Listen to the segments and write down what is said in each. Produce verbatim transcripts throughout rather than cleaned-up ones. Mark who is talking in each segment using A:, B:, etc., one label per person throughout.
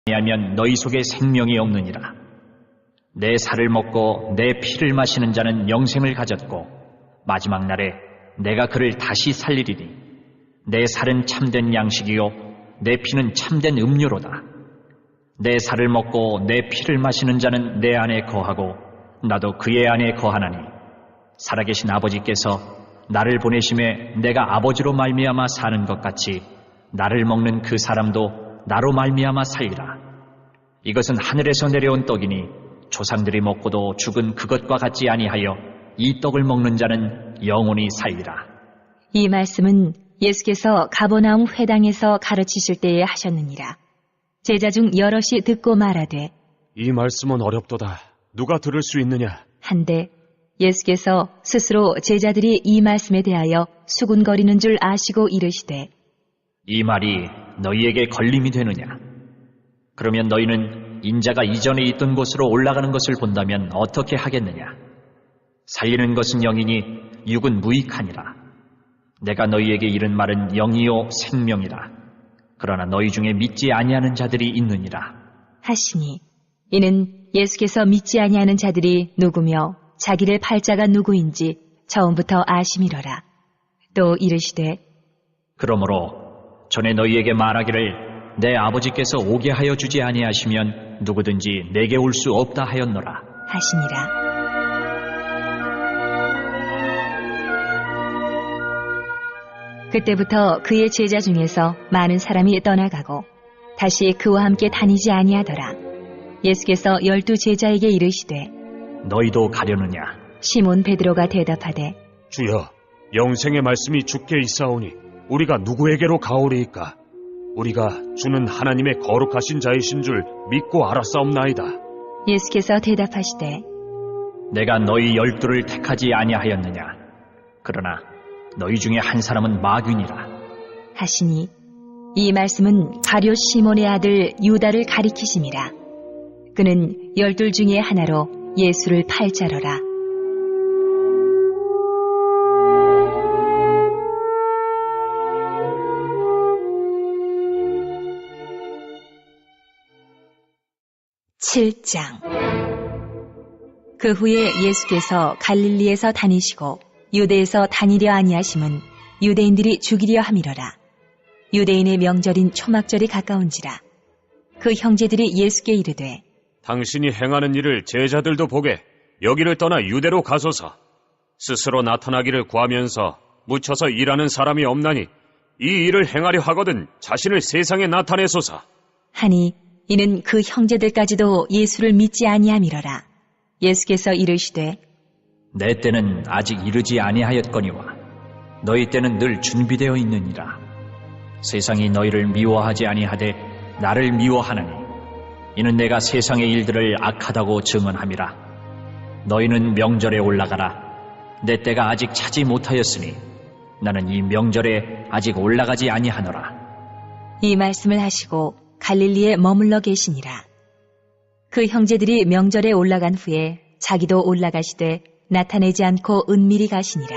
A: 아니하면 너희 속에 생명이 없느니라. 내 살을 먹고 내 피를 마시는 자는 영생을 가졌고 마지막 날에 내가 그를 다시 살리리니 내 살은 참된 양식이요 내 피는 참된 음료로다. 내 살을 먹고 내 피를 마시는 자는 내 안에 거하고 나도 그의 안에 거하나니 살아계신 아버지께서 나를 보내심에 내가 아버지로 말미암아 사는 것 같이 나를 먹는 그 사람도 나로 말미암아 살리라. 이것은 하늘에서 내려온 떡이니 조상들이 먹고도 죽은 그것과 같지 아니하여 이 떡을 먹는 자는 영원히 살리라.
B: 이 말씀은 예수께서 가버나움 회당에서 가르치실 때에 하셨느니라. 제자 중 여럿이 듣고 말하되
C: 이 말씀은 어렵도다. 누가 들을 수 있느냐?
B: 한데 예수께서 스스로 제자들이 이 말씀에 대하여 수군거리는 줄 아시고 이르시되
A: 이 말이 너희에게 걸림이 되느냐? 그러면 너희는 인자가 이전에 있던 곳으로 올라가는 것을 본다면 어떻게 하겠느냐? 살리는 것은 영이니 육은 무익하니라. 내가 너희에게 이른 말은 영이요 생명이라. 그러나 너희 중에 믿지 아니하는 자들이 있느니라.
B: 하시니 이는 예수께서 믿지 아니하는 자들이 누구며 자기를 팔자가 누구인지 처음부터 아심이러라. 또 이르시되
A: 그러므로 전에 너희에게 말하기를 내 아버지께서 오게 하여 주지 아니하시면 누구든지 내게 올 수 없다 하였노라
B: 하시니라. 그때부터 그의 제자 중에서 많은 사람이 떠나가고 다시 그와 함께 다니지 아니하더라. 예수께서 열두 제자에게 이르시되
A: 너희도 가려느냐?
B: 시몬 베드로가 대답하되
C: 주여, 영생의 말씀이 주께 있사오니 우리가 누구에게로 가오리이까? 우리가 주는 하나님의 거룩하신 자이신 줄 믿고 알았사옵나이다.
B: 예수께서 대답하시되
A: 내가 너희 열두를 택하지 아니하였느냐? 그러나 너희 중에 한 사람은 마귀니라
B: 하시니 이 말씀은 가룟 시몬의 아들 유다를 가리키심이라. 그는 열둘 중에 하나로 예수를 팔자러라. 칠 장. 그 후에 예수께서 갈릴리에서 다니시고 유대에서 다니려 아니하심은 유대인들이 죽이려 함이러라. 유대인의 명절인 초막절이 가까운지라. 그 형제들이 예수께 이르되
C: 당신이 행하는 일을 제자들도 보게 여기를 떠나 유대로 가소서. 스스로 나타나기를 구하면서 묻혀서 일하는 사람이 없나니 이 일을 행하려 하거든 자신을 세상에 나타내소서.
B: 하니 이는 그 형제들까지도 예수를 믿지 아니함이러라. 예수께서 이르시되
A: 내 때는 아직 이르지 아니하였거니와 너희 때는 늘 준비되어 있느니라. 세상이 너희를 미워하지 아니하되 나를 미워하나니 이는 내가 세상의 일들을 악하다고 증언함이라. 너희는 명절에 올라가라. 내 때가 아직 차지 못하였으니 나는 이 명절에 아직 올라가지 아니하노라.
B: 이 말씀을 하시고 갈릴리에 머물러 계시니라. 그 형제들이 명절에 올라간 후에 자기도 올라가시되 나타내지 않고 은밀히 가시니라.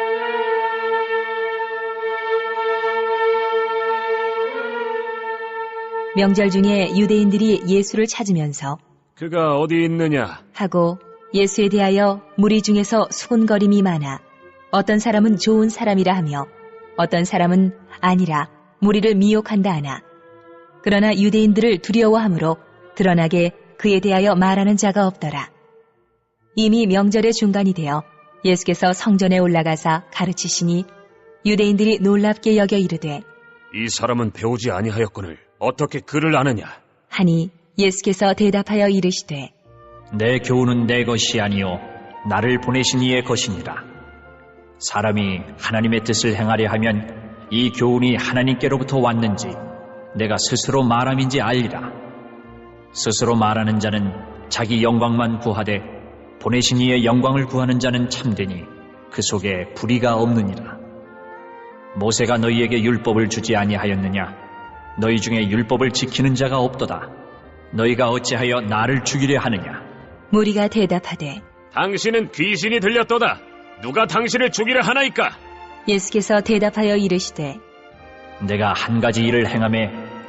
B: 명절 중에 유대인들이 예수를 찾으면서
C: 그가 어디 있느냐
B: 하고 예수에 대하여 무리 중에서 수군거림이 많아 어떤 사람은 좋은 사람이라 하며 어떤 사람은 아니라 무리를 미혹한다 하나 그러나 유대인들을 두려워함으로 드러나게 그에 대하여 말하는 자가 없더라. 이미 명절의 중간이 되어 예수께서 성전에 올라가사 가르치시니 유대인들이 놀랍게 여겨 이르되
C: 이 사람은 배우지 아니하였거늘 어떻게 그를 아느냐
B: 하니 예수께서 대답하여 이르시되
A: 내 교훈은 내 것이 아니요 나를 보내신 이의 것이니라. 사람이 하나님의 뜻을 행하려 하면 이 교훈이 하나님께로부터 왔는지 내가 스스로 말함인지 알리라. 스스로 말하는 자는 자기 영광만 구하되 보내신 이의 영광을 구하는 자는 참되니 그 속에 불의가 없느니라. 모세가 너희에게 율법을 주지 아니하였느냐? 너희 중에 율법을 지키는 자가 없도다. 너희가 어찌하여 나를 죽이려 하느냐?
B: 무리가 대답하되
C: 당신은 귀신이 들렸도다. 누가 당신을 죽이려 하나이까?
B: 예수께서 대답하여 이르시되
A: 내가 한 가지 일을 행하매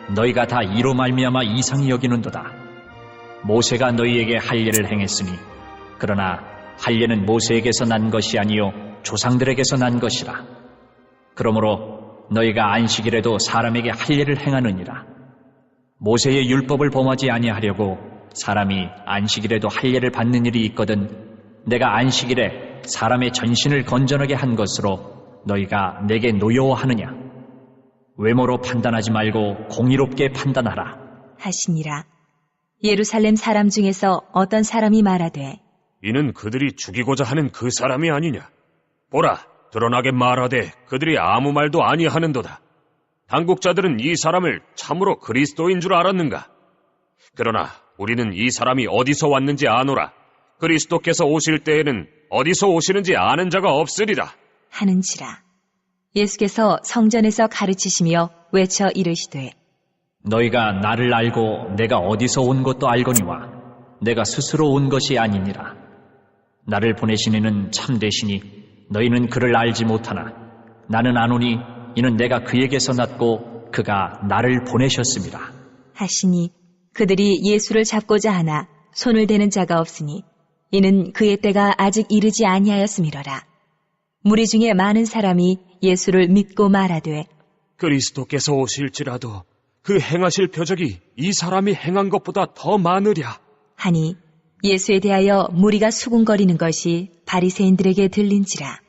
A: 너희가 다 이로 말미암아 이상히 여기는도다. 모세가 너희에게 할례를 행했으니 그러나 할례는 모세에게서 난 것이 아니요 조상들에게서 난 것이라. 그러므로 너희가 안식일에도 사람에게 할례를 행하느니라. 모세의 율법을 범하지 아니하려고 사람이 안식일에도 할례를 받는 일이 있거든 내가 안식일에 사람의 전신을 건전하게 한 것으로 너희가 내게 노여워하느냐? 외모로 판단하지 말고 공의롭게 판단하라
B: 하시니라. 예루살렘 사람 중에서 어떤 사람이 말하되
C: 이는 그들이 죽이고자 하는 그 사람이 아니냐? 보라, 드러나게 말하되 그들이 아무 말도 아니하는도다. 당국자들은 이 사람을 참으로 그리스도인 줄 알았는가? 그러나 우리는 이 사람이 어디서 왔는지 아노라. 그리스도께서 오실 때에는 어디서 오시는지 아는 자가 없으리라.
B: 하는지라. 예수께서 성전에서 가르치시며 외쳐 이르시되
A: 너희가 나를 알고 내가 어디서 온 것도 알거니와 내가 스스로 온 것이 아니니라. 나를 보내신 이는 참되시니 너희는 그를 알지 못하나 나는 아노니 이는 내가 그에게서 났고 그가 나를 보내셨습니다.
B: 하시니 그들이 예수를 잡고자 하나 손을 대는 자가 없으니 이는 그의 때가 아직 이르지 아니하였음이로라. 무리 중에 많은 사람이 예수를 믿고 말하되
C: 그리스도께서 오실지라도 그 행하실 표적이 이 사람이 행한 것보다 더 많으랴.
B: 하니 예수에 대하여 무리가 수군거리는 것이 바리새인들에게 들린지라.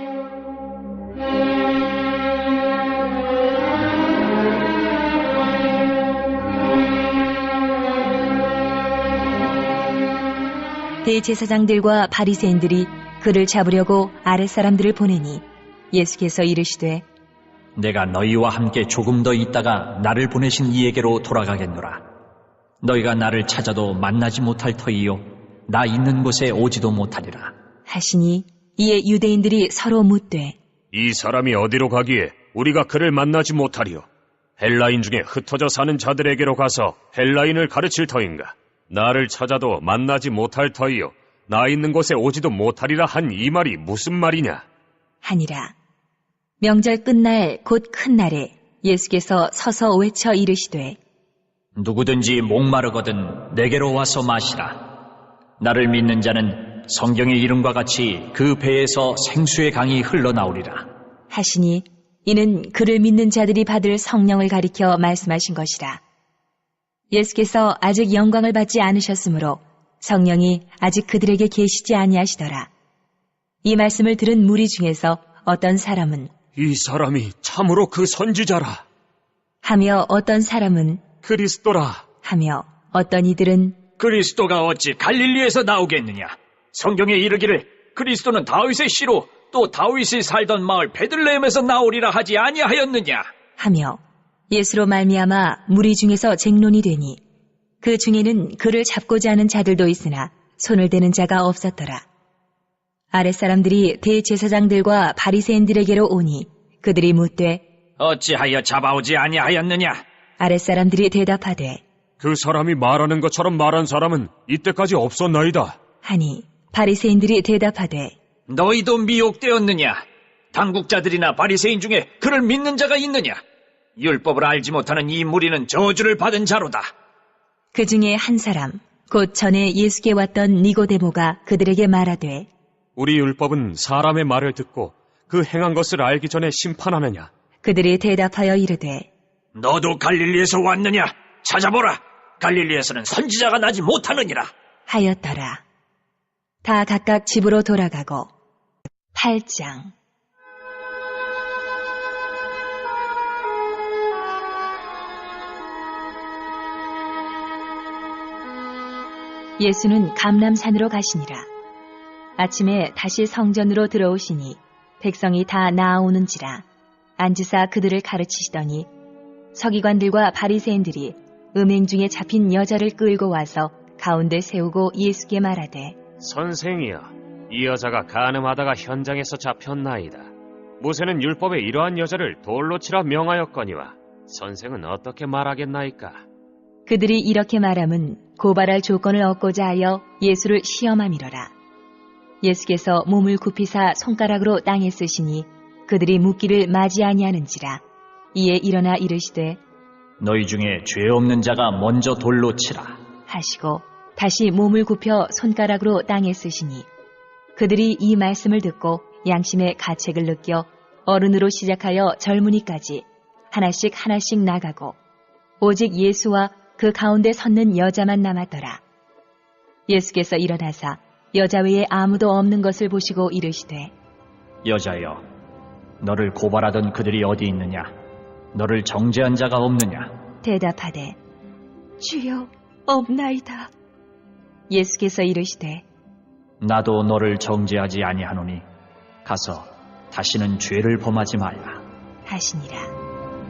B: 대제사장들과 바리새인들이 그를 잡으려고 아랫사람들을 보내니 예수께서 이르시되
A: 내가 너희와 함께 조금 더 있다가 나를 보내신 이에게로 돌아가겠노라. 너희가 나를 찾아도 만나지 못할 터이요 나 있는 곳에 오지도 못하리라.
B: 하시니 이에 유대인들이 서로 묻되
C: 이 사람이 어디로 가기에 우리가 그를 만나지 못하리요? 헬라인 중에 흩어져 사는 자들에게로 가서 헬라인을 가르칠 터인가? 나를 찾아도 만나지 못할 터이요 나 있는 곳에 오지도 못하리라 한 이 말이 무슨 말이냐?
B: 하니라. 명절 끝날 곧 큰 날에 예수께서 서서 외쳐 이르시되
A: 누구든지 목마르거든 내게로 와서 마시라. 나를 믿는 자는 성경의 이름과 같이 그 배에서 생수의 강이 흘러나오리라.
B: 하시니 이는 그를 믿는 자들이 받을 성령을 가리켜 말씀하신 것이라. 예수께서 아직 영광을 받지 않으셨으므로 성령이 아직 그들에게 계시지 아니하시더라. 이 말씀을 들은 무리 중에서 어떤 사람은
C: 이 사람이 참으로 그 선지자라.
B: 하며 어떤 사람은
C: 그리스도라.
B: 하며 어떤 이들은
A: 그리스도가 어찌 갈릴리에서 나오겠느냐? 성경에 이르기를 그리스도는 다윗의 씨로 또 다윗이 살던 마을 베들레헴에서 나오리라 하지 아니하였느냐?
B: 하며 예수로 말미암아 무리 중에서 쟁론이 되니 그 중에는 그를 잡고자 하는 자들도 있으나 손을 대는 자가 없었더라. 아랫사람들이 대제사장들과 바리새인들에게로 오니 그들이 묻되
A: 어찌하여 잡아오지 아니하였느냐?
B: 아랫사람들이 대답하되
C: 그 사람이 말하는 것처럼 말한 사람은 이때까지 없었나이다.
B: 하니 바리새인들이 대답하되
A: 너희도 미혹되었느냐? 당국자들이나 바리새인 중에 그를 믿는 자가 있느냐? 율법을 알지 못하는 이 무리는 저주를 받은 자로다.
B: 그 중에 한 사람 곧 전에 예수께 왔던 니고데모가 그들에게 말하되
C: 우리 율법은 사람의 말을 듣고 그 행한 것을 알기 전에 심판하느냐?
B: 그들이 대답하여 이르되
A: 너도 갈릴리에서 왔느냐? 찾아보라. 갈릴리에서는 선지자가 나지 못하느니라.
B: 하였더라. 다 각각 집으로 돌아가고. 팔 장. 예수는 감람산으로 가시니라. 아침에 다시 성전으로 들어오시니 백성이 다 나아오는지라 앉으사 그들을 가르치시더니 서기관들과 바리새인들이 음행 중에 잡힌 여자를 끌고 와서 가운데 세우고 예수께 말하되
C: 선생이여, 이 여자가 간음하다가 현장에서 잡혔나이다. 모세는 율법에 이러한 여자를 돌로 치라 명하였거니와 선생은 어떻게 말하겠나이까?
B: 그들이 이렇게 말함은 고발할 조건을 얻고자 하여 예수를 시험함이로라. 예수께서 몸을 굽히사 손가락으로 땅에 쓰시니 그들이 묻기를 맞이 아니하는지라. 이에 일어나 이르시되
A: 너희 중에 죄 없는 자가 먼저 돌로 치라.
B: 하시고 다시 몸을 굽혀 손가락으로 땅에 쓰시니 그들이 이 말씀을 듣고 양심의 가책을 느껴 어른으로 시작하여 젊은이까지 하나씩 하나씩 나가고 오직 예수와 그 가운데 섰는 여자만 남았더라. 예수께서 일어나사 여자 외에 아무도 없는 것을 보시고 이르시되
A: 여자여, 너를 고발하던 그들이 어디 있느냐? 너를 정죄한 자가 없느냐?
B: 대답하되 주여 없나이다. 예수께서 이르시되
A: 나도 너를 정죄하지 아니하노니 가서 다시는 죄를 범하지 말라.
B: 하시니라.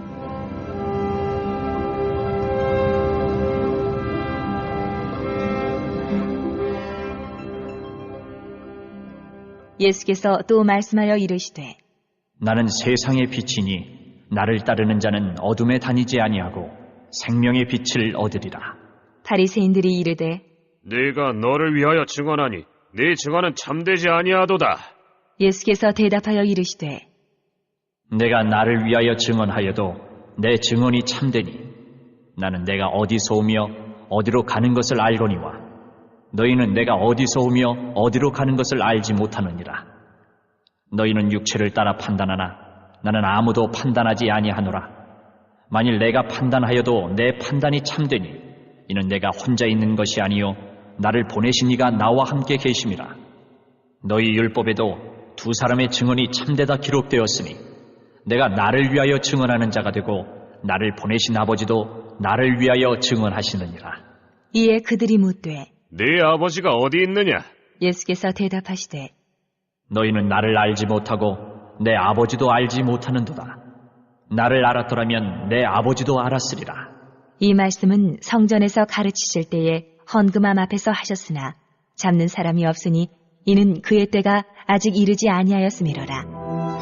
B: 예수께서 또 말씀하여 이르시되
A: 나는 세상의 빛이니 나를 따르는 자는 어둠에 다니지 아니하고 생명의 빛을 얻으리라.
B: 바리새인들이 이르되
C: 네가 너를 위하여 증언하니 네 증언은 참되지 아니하도다.
B: 예수께서 대답하여 이르시되
A: 내가 나를 위하여 증언하여도 내 증언이 참되니 나는 내가 어디서 오며 어디로 가는 것을 알거니와 너희는 내가 어디서 오며 어디로 가는 것을 알지 못하느니라. 너희는 육체를 따라 판단하나 나는 아무도 판단하지 아니하노라. 만일 내가 판단하여도 내 판단이 참되니 이는 내가 혼자 있는 것이 아니요 나를 보내신 이가 나와 함께 계심이라. 너희 율법에도 두 사람의 증언이 참되다 기록되었으니 내가 나를 위하여 증언하는 자가 되고 나를 보내신 아버지도 나를 위하여 증언하시느니라.
B: 이에 그들이 묻되
C: 네 아버지가 어디 있느냐?
B: 예수께서 대답하시되
A: 너희는 나를 알지 못하고 내 아버지도 알지 못하는도다. 나를 알았더라면 내 아버지도 알았으리라.
B: 이 말씀은 성전에서 가르치실 때에 헌금함 앞에서 하셨으나 잡는 사람이 없으니 이는 그의 때가 아직 이르지 아니하였음이로라.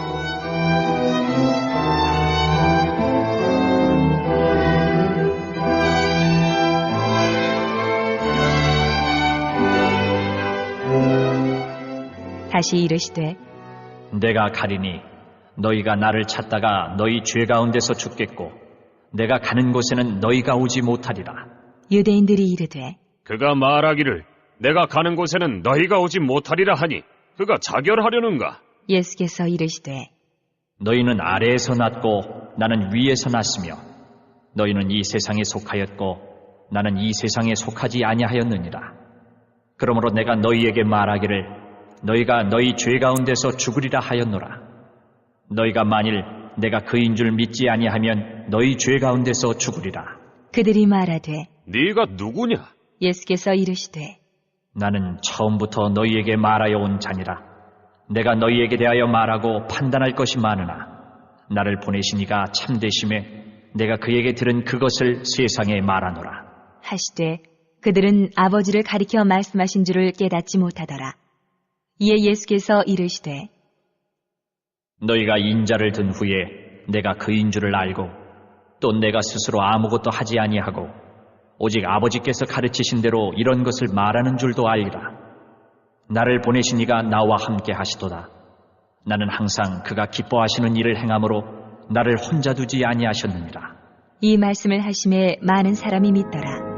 B: 다시 이르시되
A: 내가 가리니 너희가 나를 찾다가 너희 죄 가운데서 죽겠고 내가 가는 곳에는 너희가 오지 못하리라.
B: 유대인들이 이르되
C: 그가 말하기를 내가 가는 곳에는 너희가 오지 못하리라 하니 그가 자결하려는가?
B: 예수께서 이르시되
A: 너희는 아래에서 났고 나는 위에서 났으며 너희는 이 세상에 속하였고 나는 이 세상에 속하지 아니하였느니라. 그러므로 내가 너희에게 말하기를 너희가 너희 죄 가운데서 죽으리라 하였노라. 너희가 만일 내가 그인 줄 믿지 아니하면 너희 죄 가운데서 죽으리라.
B: 그들이 말하되
C: 네가 누구냐?
B: 예수께서 이르시되
A: 나는 처음부터 너희에게 말하여 온 자니라. 내가 너희에게 대하여 말하고 판단할 것이 많으나 나를 보내신 이가 참되심에 내가 그에게 들은 그것을 세상에 말하노라.
B: 하시되 그들은 아버지를 가리켜 말씀하신 줄을 깨닫지 못하더라. 이에 예수께서 이르시되
A: 너희가 인자를 든 후에 내가 그인 줄을 알고 또 내가 스스로 아무것도 하지 아니하고 오직 아버지께서 가르치신 대로 이런 것을 말하는 줄도 알리라. 나를 보내신 이가 나와 함께 하시도다. 나는 항상 그가 기뻐하시는 일을 행함으로 나를 혼자 두지 아니하셨느니라.
B: 이 말씀을 하심에 많은 사람이 믿더라.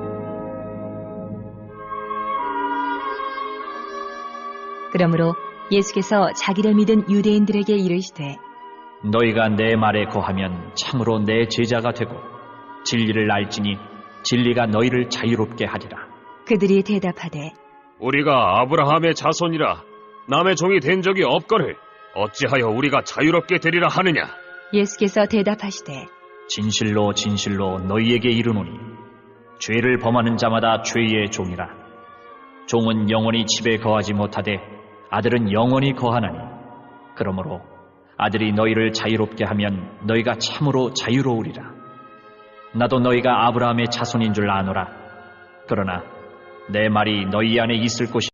B: 그러므로 예수께서 자기를 믿은 유대인들에게 이르시되
A: 너희가 내 말에 거하면 참으로 내 제자가 되고 진리를 알지니 진리가 너희를 자유롭게 하리라.
B: 그들이 대답하되
C: 우리가 아브라함의 자손이라 남의 종이 된 적이 없거늘 어찌하여 우리가 자유롭게 되리라 하느냐?
B: 예수께서 대답하시되
A: 진실로 진실로 너희에게 이르노니 죄를 범하는 자마다 죄의 종이라. 종은 영원히 집에 거하지 못하되 아들은 영원히 거하나니 그러므로 아들이 너희를 자유롭게 하면 너희가 참으로 자유로우리라. 나도 너희가 아브라함의 자손인 줄 아노라. 그러나 내 말이 너희 안에 있을 곳이